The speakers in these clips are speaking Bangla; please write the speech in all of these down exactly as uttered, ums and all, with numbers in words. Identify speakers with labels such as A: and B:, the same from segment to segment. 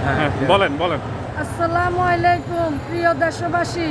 A: হ্যাঁ বলেন বলেন।
B: আসসালামু আলাইকুম প্রিয় দেশবাসী,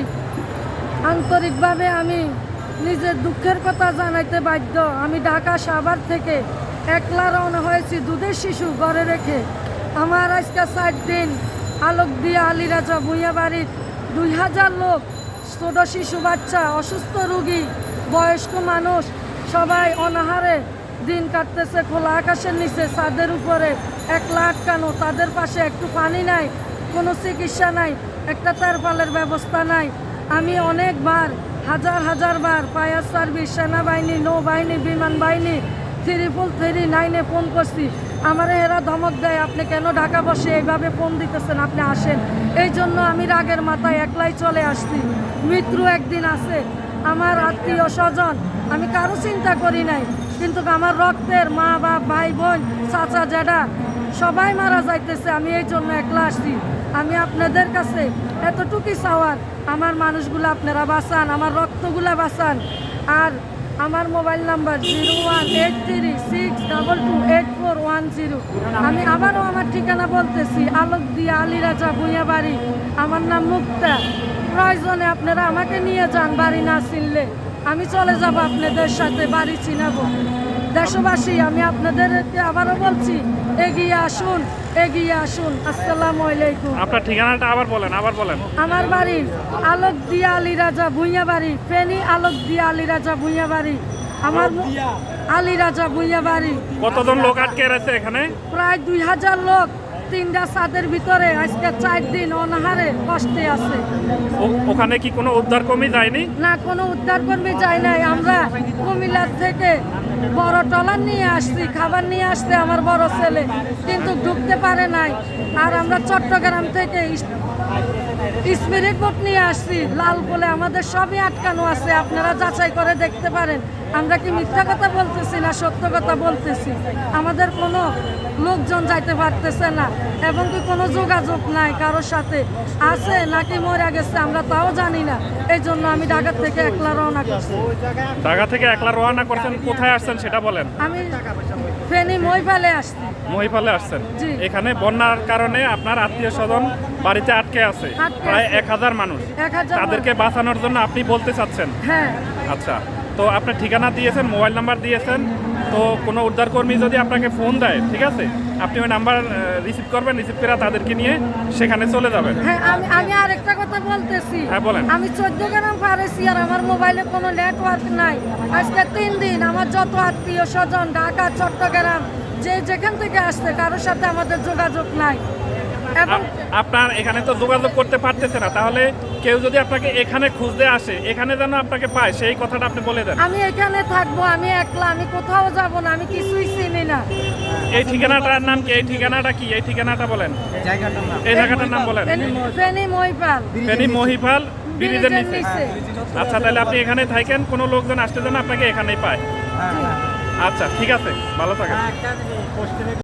B: আন্তরিকভাবে আমি নিজের দুঃখের কথা জানাইতে বাধ্য। আমি ঢাকা সাভার থেকে একলা রওনা হয়েছি দুধের শিশু ঘরে রেখে। আমার আজকে চার দিন আলোক দিয়ে আলীরাজা ভূঁইয়া বাড়ির দুই হাজার লোক, ছোট শিশু, বাচ্চা, অসুস্থ রোগী, বয়স্ক মানুষ সবাই অনাহারে দিন কাটতেছে। খোলা আকাশের নিচে ছাদের উপরে একলা আটকানো, তাদের পাশে একটু পানি নাই, কোনো চিকিৎসা নাই, একটা তারপালের ব্যবস্থা নাই। আমি অনেকবার হাজার হাজার বার ফায়ার সার্ভিস, সেনাবাহিনী, নৌবাহিনী, বিমান বাহিনী, ত্রিপল থ্রি নাইনে ফোন করছি। আমারে এরা ধমক দেয়, আপনি কেন ঢাকা বসে এইভাবে ফোন দিতেছেন, আপনি আসেন। এই জন্য আমি রাগের মাথায় একলাই চলে আসছি। মৃত্যু একদিন আছে, আমার আত্মীয় স্বজন, আমি কারো চিন্তা করি নাই, কিন্তু আমার রক্তের মা বাপ, ভাই বোন, চাচা জ্যাঠা সবাই মারা যাইতেছে। আমি এই জন্য একলা আসছি। আমি আপনাদের কাছে এতটুকুই চাওয়ার, আমার মানুষগুলো আপনারা বাঁচান, আমার রক্তগুলা বাঁচান। আর আমার mobile number zero one eight three six double two eight four one zero. আমি আবারও আমার ঠিকানা বলতেছি, আলোক দিয়া আলীরাজা ভূঁইয়া বাড়ি। আমার নাম মুক্তা। প্রয়োজনে আপনারা আমাকে নিয়ে যান, বাড়ি না চিনলে আমি চলে যাব আপনাদের সাথে, বাড়ি চিনাবো। দেশবাসী, আমি আপনাদেরকে আবারও বলছি, এগিয়ে আসুন, এগিয়ে আসুন। আসসালামু আলাইকুম।
A: আপনার ঠিকানাটা আবার বলেন, আবার বলেন।
B: আমার বাড়ি আলোক দিয়া আলীরাজা ভূঁইয়া বাড়ি, ফেনী আলোক দিয়া আলীরাজা ভূঁইয়া বাড়ি। আমার আলীরাজা ভূঁইয়া বাড়ি।
A: কতজন লোক আটকে রয়েছে এখানে?
B: প্রায় দুই হাজার লোক তিনটা ছাদের ভিতরে আজকে চার দিন অনাহারে কষ্টে আছে।
A: ও- ওখানে কি কোনো উদ্ধার কর্মী যায়নি?
B: না, কোনো উদ্ধার কর্মী যায় নাই। আমরা কুমিল্লার থেকে বড় ট্রলার নিয়ে আসছি, খাবার নিয়ে আসছে আমার বড় ছেলে, কিন্তু ঢুকতে পারে নাই। আর আমরা চট্টগ্রাম থেকে স্পিরিট বোট নিয়ে আসছি লাল বলে, আমাদের সবই আটকানো আছে। আপনারা যাচাই করে দেখতে পারেন, আমরা কি মিথ্যা কথা বলতেছি না সত্য কথা বলতেছি। আমাদের কোনো লোকজন যাইতে পারতেছে না, এবং কি কোনো যোগাযোগ নাই কারোর সাথে। আছে নাকি মরে গেছে আমরা তাও জানি না। এই জন্য আমি ঢাকা থেকে একলা রওনা করছি।
A: ঢাকা থেকে একলা রওনা করছেন, কোথায় আসছেন সেটা বলেন।
B: আমি ফেনী মহিপালে আসছি।
A: মহিপালে আসছেন।
B: জি।
A: এখানে বন্যার কারণে আপনার আত্মীয় স্বজন বাড়িতে আটকে আছে,
B: আটকে
A: প্রায়
B: আছে।
A: এক হাজার মানুষ।
B: এক হাজার
A: তাদেরকে বাঁচানোর জন্য আপনি বলতে চাচ্ছেন?
B: হ্যাঁ।
A: আচ্ছা, তো আপনার ঠিকানা দিয়েছেন, মোবাইল নাম্বার দিয়েছেন, তো কোনো উদ্ধারকর্মী যদি আপনাকে ফোন দেয়, ঠিক আছে, আপনি ওই নাম্বার রিসিভ করবেন, রিসিভ করে তাদেরকে নিয়ে সেখানে চলে যাবেন।
B: হ্যাঁ, আমি আমি আরেকটা কথা বলতেছি।
A: হ্যাঁ, বলেন।
B: আমি চোদ্দ গ্রাম পারেছি, আর আমার মোবাইলে কোনো নেটওয়ার্ক নাই। আজকে তিন দিন আমার যত আত্মীয় স্বজন ঢাকা, চট্টগ্রাম, যে যেখান থেকে আসছে কারোর সাথে আমাদের যোগাযোগ নাই। এবং
A: আ- আপনার এখানে তো যোগাযোগ করতে পারতেছে না, তাহলে কেউ যদি আপনাকে এখানে খুঁজতে আসে, এখানে যেন আপনাকে পায়, সেই কথাটা আপনি বলে দেন।
B: আমি এখানে থাকবো, আমি একলা, আমি কোথাও যাব না, আমি কিছুই চিনি না।
A: এই ঠিকানাটার নাম কি? এই ঠিকানাটা কি? এই ঠিকানাটা বলেন, এই জায়গাটার নাম বলেন।
B: ফেনী মহিপাল,
A: ফেনী মহিপাল ব্রিজের নিচে।
B: নিচে।
A: আচ্ছা, তাহলে আপনি এখানে থাকেন, কোনো লোকজন আসতে যেন আপনাকে এখানেই পায়। আচ্ছা, ঠিক আছে, ভালো থাকেন।